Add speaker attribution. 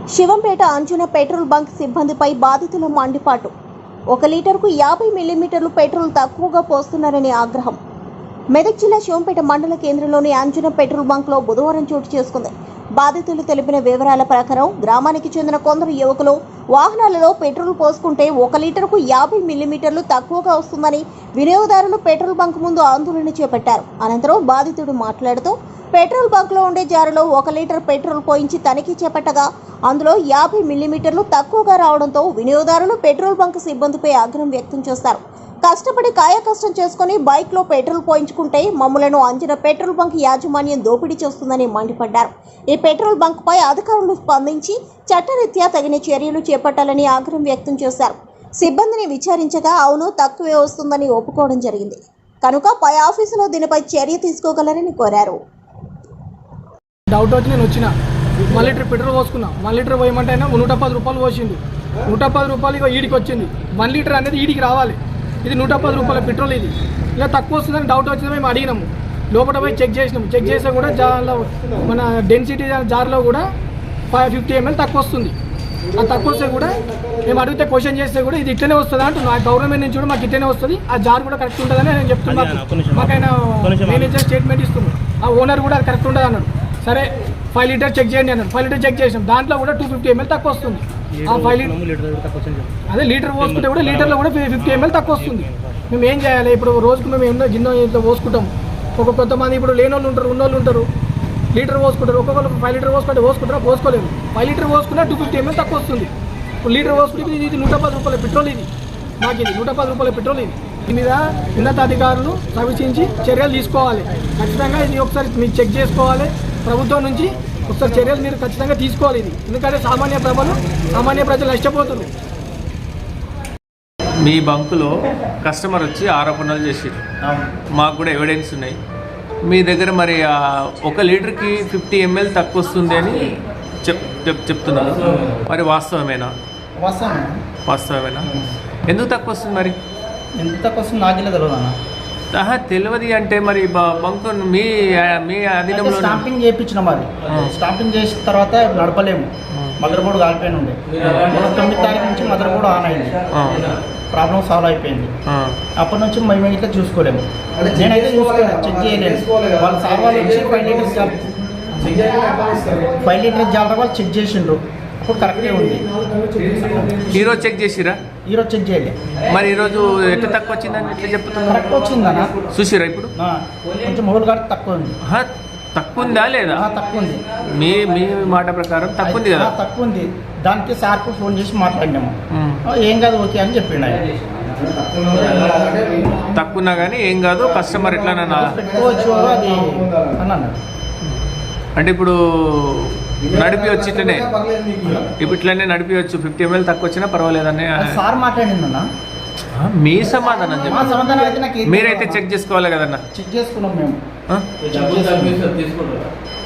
Speaker 1: Shivampet అంజున petrol bunk సిబ్బందిపై బాధితుల మండిపాటు. 1 లీటర్కు 50 మిల్లీమీటర్లు పెట్రోల్ తక్కువగా పోస్తున్నారని ఆగ్రహం. మెదక్ జిల్లా శివంపేట మండల కేంద్రంలోని అంజున పెట్రోల్ బంక్లో బుధవారం చోటు చేసుకుంది. బాధితులు తెలిపిన వివరాల ప్రకారం గ్రామానికి చెందిన కొందరు యువకులు వాహనాలలో పెట్రోల్ పోసుకుంటే 1 లీటర్కు 50 మిల్లీమీటర్లు తక్కువగా వస్తుందని వినియోగదారులు పెట్రోల్ బంక్ ముందు ఆందోళన చేపట్టారు. అనంతరం బాధితుడు మాట్లాడుతూ పెట్రోల్ బంక్లో ఉండే జారులో 1 లీటర్ పెట్రోల్ పోయించి తనిఖీ చేపట్టగా అందులో 50 మిల్లీమీటర్లు తక్కువగా రావడంతో వినియోగదారులు పెట్రోల్ బంక్ సిబ్బందిపై ఆగ్రహం వ్యక్తం చేస్తారు. కష్టపడి కాయకష్టం చేసుకుని బైక్లో పెట్రోల్ పోయించుకుంటే మమ్మలను అంజున పెట్రోల్ బంక్ యాజమాన్యం దోపిడీ చేస్తుందని మండిపడ్డారు. ఈ పెట్రోల్ బంక్పై అధికారులు స్పందించి చట్టరీత్యా తగిన చర్యలు చేపట్టాలని ఆగ్రహం వ్యక్తం చేశారు. సిబ్బందిని విచారించగా అవును తక్కువే వస్తుందని ఒప్పుకోవడం జరిగింది కనుక పై ఆఫీసులో దీనిపై చర్య తీసుకోగలరని కోరారు.
Speaker 2: డౌట్ వచ్చి నేను వచ్చిన 1 లీటర్ పెట్రోల్ పోసుకున్నా. 1 లీటర్ పోయమంటే అయినా 110 రూపాయలు పోసిండు. 110 రూపాయలు ఇక ఈడికి వచ్చింది. 1 లీటర్ అనేది ఈడికి రావాలి. ఇది 110 రూపాయల పెట్రోల్. ఇది ఇలా తక్కువ వస్తుందని డౌట్ వచ్చింది. మేము అడిగినాము, లోపల పోయి చెక్ చేసినాము. చెక్ చేస్తే కూడా జార్లో మన డెన్సిటీ జార్లో కూడా 550 ml తక్కువ వస్తుంది. ఆ తక్కువ వస్తే కూడా మేము అడిగితే క్వశ్చన్ చేస్తే కూడా ఇది ఇట్లనే వస్తుంది అంటున్నా. గవర్నమెంట్ నుంచి కూడా మాకు ఇట్లనే వస్తుంది, ఆ జార్ కూడా కరెక్ట్ ఉంటుందని నేను చెప్తున్నాను. మాకైనా మేనేజర్ స్టేట్మెంట్ ఇస్తుంది. ఆ ఓనర్ కూడా అది కరెక్ట్ ఉంటుంది అన్నాడు. సరే 5 లీటర్ చెక్ చేయండి అన్నాడు. 5 లీటర్ చెక్ చేసాం. దాంట్లో కూడా 250 ml తక్కువ వస్తుంది. ఆ 5 లీటర్ అదే లీటర్ పోసుకుంటే కూడా లీటర్లో కూడా 50 ml తక్కువ వస్తుంది. మేము ఏం చేయాలి? ఇప్పుడు రోజుకు మేము ఎన్నో గిన్నె ఇంట్లో పోసుకుంటాం. కొంతమంది ఇప్పుడు లేని వాళ్ళు ఉంటారు, ఉన్నోళ్ళు ఉంటారు, లీటర్ పోసుకుంటారు. ఒక్కొక్కరు 5 లీటర్ పోసుకుంటారా? పోసుకోలేదు. 5 లీటర్ పోసుకున్నా 250 ml తక్కువ వస్తుంది. లీటర్ పోసుకుంటే ఇది 110 రూపాయల పెట్రోల్. ఇది మాకు ఇది 110 రూపాయల పెట్రోల్. ఇది దీని మీద ఉన్నతాధికారులు సమీక్షించి చర్యలు తీసుకోవాలి. ఖచ్చితంగా ఇది ఒకసారి మీరు చెక్ చేసుకోవాలి. ప్రభుత్వం నుంచి ఒకసారి చర్యలు మీరు ఖచ్చితంగా తీసుకోవాలి. ఇది ఎందుకంటే సామాన్య ప్రజలు నష్టపోతున్నారు.
Speaker 3: మీ బంకులో కస్టమర్ వచ్చి ఆరోపణలు చేసారు. మాకు కూడా ఎవిడెన్స్ ఉన్నాయి. మీ దగ్గర మరి 1 లీటర్కి 50 ml తక్కువ వస్తుంది అని చెప్తున్నారు. మరి వాస్తవమేనా? ఎందుకు తక్కువ వస్తుంది? మరి
Speaker 4: ఎంత తక్కువ వస్తుంది నాకు తెలియదు అన్న.
Speaker 3: తెలియదు అంటే మరి బంకు మీ అధీనంలో
Speaker 4: స్టాంపింగ్ చేయించినాం. అది స్టాంపింగ్ చేసిన తర్వాత నడపలేము. మదర్ బోర్డు కాలిపోయిన ఉండే. 9 తారీఖు నుంచి మదర్ బోర్డు ఆన్ అయింది. ప్రాబ్లం సాల్వ్ అయిపోయింది. అప్పటి నుంచి మేము ఇట్లా చూసుకోలేము. నేనైతే చూసుకోలేదు, చెక్ చేయలేదు. వాళ్ళ సార్ వాళ్ళు వచ్చి 5 లీటర్ జాలర వాళ్ళు చెక్ చేసిండ్రు. అప్పుడు కరెక్టే ఉంది.
Speaker 3: ఈరోజు చెక్ చేసిరా?
Speaker 4: ఈరోజు చెక్ చేయలే.
Speaker 3: మరి ఈరోజు ఎట్లా తక్కువ వచ్చిందని ఎట్లా చెప్తున్నారు?
Speaker 4: కరెక్ట్ వచ్చిందన్న.
Speaker 3: చూసిరా? ఇప్పుడు
Speaker 4: కొంచెం మొబైల్ కార్డు తక్కువ ఉంది.
Speaker 3: తక్కువ ఉందా లేదా?
Speaker 4: తక్కువ ఉంది.
Speaker 3: మీ మాట ప్రకారం తక్కువ ఉంది కదా?
Speaker 4: తక్కువ ఉంది. దానికి సార్కు ఫోన్ చేసి మాట్లాడినాము. ఏం కాదు, ఓకే అని చెప్పిండు ఆయన.
Speaker 3: తక్కువన్నా కానీ ఏం కాదు, కస్టమర్ ఎట్లా
Speaker 4: పెట్టుకోవచ్చు అది అని అన్నాడు.
Speaker 3: అంటే ఇప్పుడు నడిపివచ్చు, ఇట్లనే నడిపివచ్చు. 50 ml తక్కువ వచ్చినా పర్వాలేదని
Speaker 4: సార్ మాట్లాడిందన్న.
Speaker 3: మీ సమాధానం చెప్పండి. మీరైతే చెక్ చేసుకోవాలి కదన్నా.
Speaker 4: చెక్ చేసుకున్నాం మేము.